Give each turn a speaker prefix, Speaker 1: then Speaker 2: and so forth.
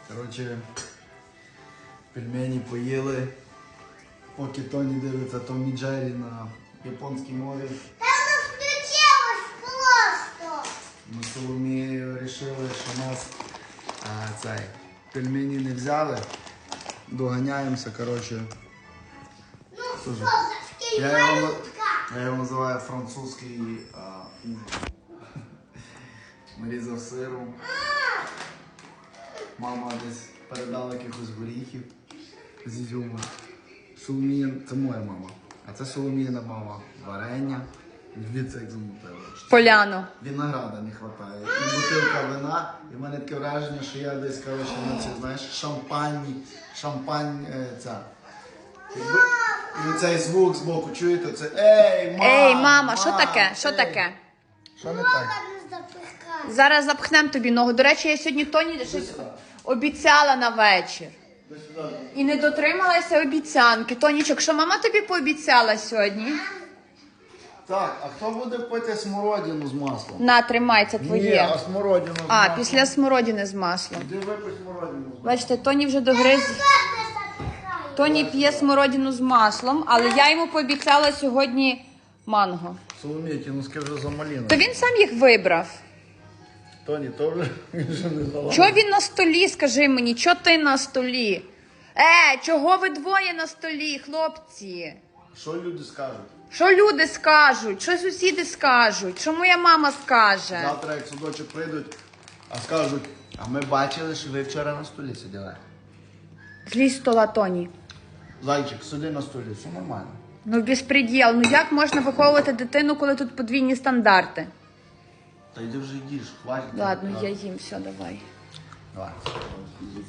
Speaker 1: Коротше, пельмені поїли, поки Тоні дивиться Том і Джері на японській мові.
Speaker 2: Там воно включилось просто.
Speaker 1: Ми з Соломією вирішили, що нас пельмені не взяли. Доганяємося, коротше.
Speaker 2: Ну що,
Speaker 1: Слушай,
Speaker 2: за
Speaker 1: Я його називаю французький ужин. Нарізав сиру. Мама десь передала якихось горіхів з ізюмом. Соломія, це моя мама. А це Соломіїна мама. Варення. Дивіться, як замутила.
Speaker 3: Поляну.
Speaker 1: Винограда не вистачає. І бутилка вина. І в мене таке враження, що я десь, коротше, на ці, знаєш, шампань ця. І цей звук збоку, чуєте? Це
Speaker 3: Ей, мама, що таке? Що таке?
Speaker 1: Що не так?
Speaker 2: не запихай.
Speaker 3: Зараз запхнемо тобі ногу. До речі, я сьогодні Тоні щось обіцяла на вечір. І не дотрималася обіцянки. Тонічок, що мама тобі пообіцяла сьогодні?
Speaker 1: Так, а хто буде пити смородину з маслом?
Speaker 3: На, тримай, це
Speaker 1: Ні,
Speaker 3: твоє.
Speaker 1: а смородину з
Speaker 3: А,
Speaker 1: маслом.
Speaker 3: після смородини з маслом.
Speaker 1: Іди випий смородину з маслом.
Speaker 3: Бачите, Тоні вже догриз.
Speaker 2: Не запихай.
Speaker 3: Тоні п'є смородину з маслом, але я йому пообіцяла сьогодні манго.
Speaker 1: Соломія, ті носки вже замалі.
Speaker 3: То він сам їх вибрав.
Speaker 1: Тоні, то вже не залазить.
Speaker 3: Чого він на столі, скажи мені, чого ти на столі? Чого ви двоє на столі, хлопці?
Speaker 1: Що люди скажуть?
Speaker 3: Що люди скажуть, що сусіди скажуть, що моя мама скаже?
Speaker 1: Завтра, як судочок прийдуть, а скажуть, а ми бачили, що ви вчора на столі сиділи.
Speaker 3: Злізь з стола, Тоні.
Speaker 1: Зайчик, сиди на столі, все нормально.
Speaker 3: Ну, безпреділ. Ну як можна виховувати дитину, коли тут подвійні стандарти?
Speaker 1: Та йди вже їдиш, хватить.
Speaker 3: Ладно, я їм, все, давай.
Speaker 1: Давай.